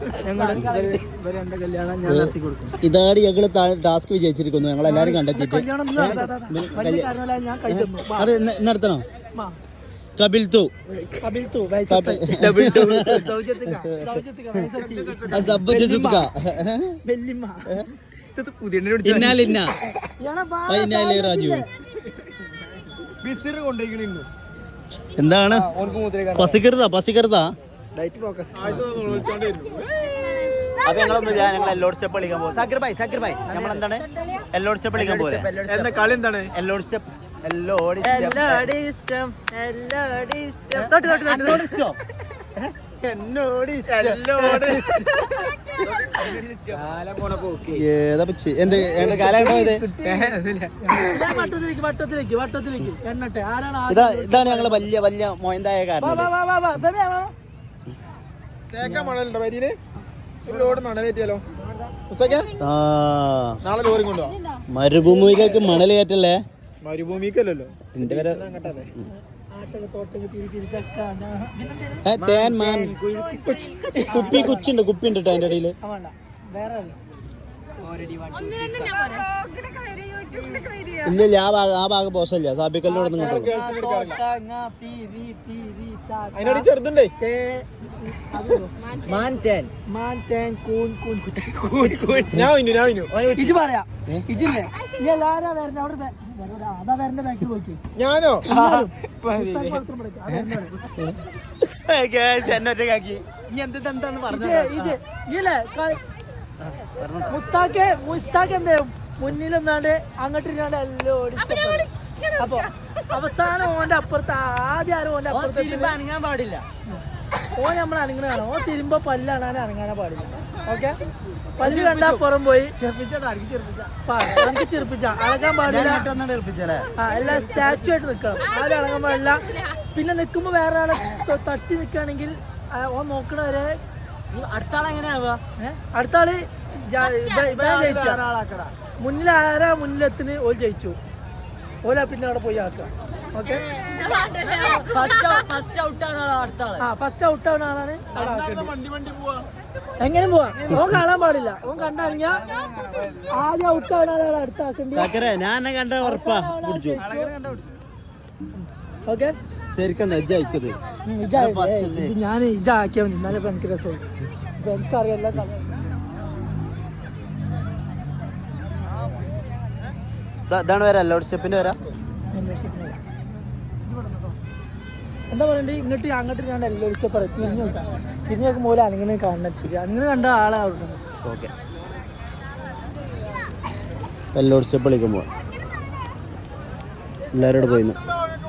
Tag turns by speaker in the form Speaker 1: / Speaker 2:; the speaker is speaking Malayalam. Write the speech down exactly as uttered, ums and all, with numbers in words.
Speaker 1: ഇതാണ് ഞങ്ങള് ടാസ്ക് വിജയിച്ചിരിക്കുന്നു. ഞങ്ങൾ എല്ലാരും കണ്ടെത്തിയിട്ട് നടത്തണോ? കപിൽ തൂ എന്താണ് പസിക്കരുതാ പസിക്കരുതാ അത് ഞങ്ങളൊന്നും ഞങ്ങൾ എല്ലോഡ് സ്റ്റെപ്പ് കളിക്കാൻ പോകും. സാക്കിർ ഭായ് സാക്കിർ ഭായ് നമ്മളെന്താണ് എല്ലോഡ് സ്റ്റെപ്പ് കളിക്കാൻ പോലെ കളി എന്താണ് എല്ലോഡ് സ്റ്റെപ്പ് എല്ലോഡ് ഏതാ പിച്ച് എന്ത് കാലം ഇതാണ് ഞങ്ങള് വലിയ വലിയ മോയന്തായ കാരണം. മരുഭൂമിയിലേക്ക് മണൽ കയറ്റല്ലേ? മരുഭൂമിക്കല്ലോ തേൻ മാൻ കുപ്പി കുച്ചുണ്ട് കുപ്പി ഉണ്ട് കേട്ടോ അതിന്റെ ഇടയില്. ഇല്ല ആ ഭാഗം ആ ഭാഗം പോസല്ല സാബിക്കല്ലോട് ഇങ്ങോട്ട് ചെറുതുണ്ടേ. ഞാനോ എന്നൊറ്റക്കാക്കി ഇനി എന്തെന്താന്ന് പറഞ്ഞു മുസ്താഖ് മുസ്താഖ് എന്തേ മുന്നിൽ നിന്നാണ്ട് അങ്ങോട്ട് ഇരുന്നാണ്ട് എല്ലാം ഓടി. അപ്പൊ അവസാനം ഓന്റെ അപ്പുറത്ത് ആദ്യം ആരും ഓന്റെ അപ്പുറത്ത് അനങ്ങാൻ പാടില്ല. ഓൻ നമ്മൾ അനങ്ങണതാണ്. ഓൻ തിരുമ്പോ പല്ലാണ് അനങ്ങാനേ പാടില്ല. ഓക്കെ പല്ല് കണ്ടാ പുറം പോയി എനിക്ക് ചെറുപ്പിച്ച അളകാൻ പാടില്ല. ആ എല്ലാ സ്റ്റാച്ചു ആയിട്ട് നിക്കണം. ആരും അളകാൻ പാടില്ല. പിന്നെ നിക്കുമ്പോ വേറെ ആളെ തട്ടി നിക്കുകയാണെങ്കിൽ ഓൻ നോക്കണവരെ അടുത്ത ആൾ എങ്ങനെയാവുക? അടുത്ത ആള് ജയിച്ച മുന്നിൽ ആരാ മുന്നിലെത്തിന് ഓൽ ജയിച്ചു. ഓല പിന്നെ അവിടെ പോയി ആക്കുക. ഓക്കെ ഫസ്റ്റ് ഔട്ട് ആവുന്ന ആളാണ്. എങ്ങനെ പോവാ? ഓൻ കാണാൻ പാടില്ല. ഓൻ കണ്ടറിഞ്ഞ ആദ്യം ഔട്ട് ആവുന്ന ആളാണ് അടുത്താക്കേണ്ടി. ഓക്കെ ഞാൻ ഇതാക്കിയാ മതി. എന്നാലും എനിക്ക് രസമാണ്. എനിക്കറിയാം ഇതാണ് വരാ ലോഡ് സ്റ്റെപ്പിന്റെ വരാ.
Speaker 2: എന്താ പറയണ്ടേ ഇങ്ങോട്ട് അങ്ങോട്ട് ഞാൻ ലോഡ് സ്റ്റെപ്പ് തിരിഞ്ഞു നോക്കാം. തിരിഞ്ഞു നോക്കുമ്പോൾ പോലെ അങ്ങനെ കാണുന്നില്ല. അങ്ങനെ കണ്ട ആളെ അവിടെ
Speaker 1: ഓക്കെ ലോഡ് സ്റ്റെപ്പ് കളിക്കുമ്പോൾ എല്ലാവരോട് പോയിരുന്നു.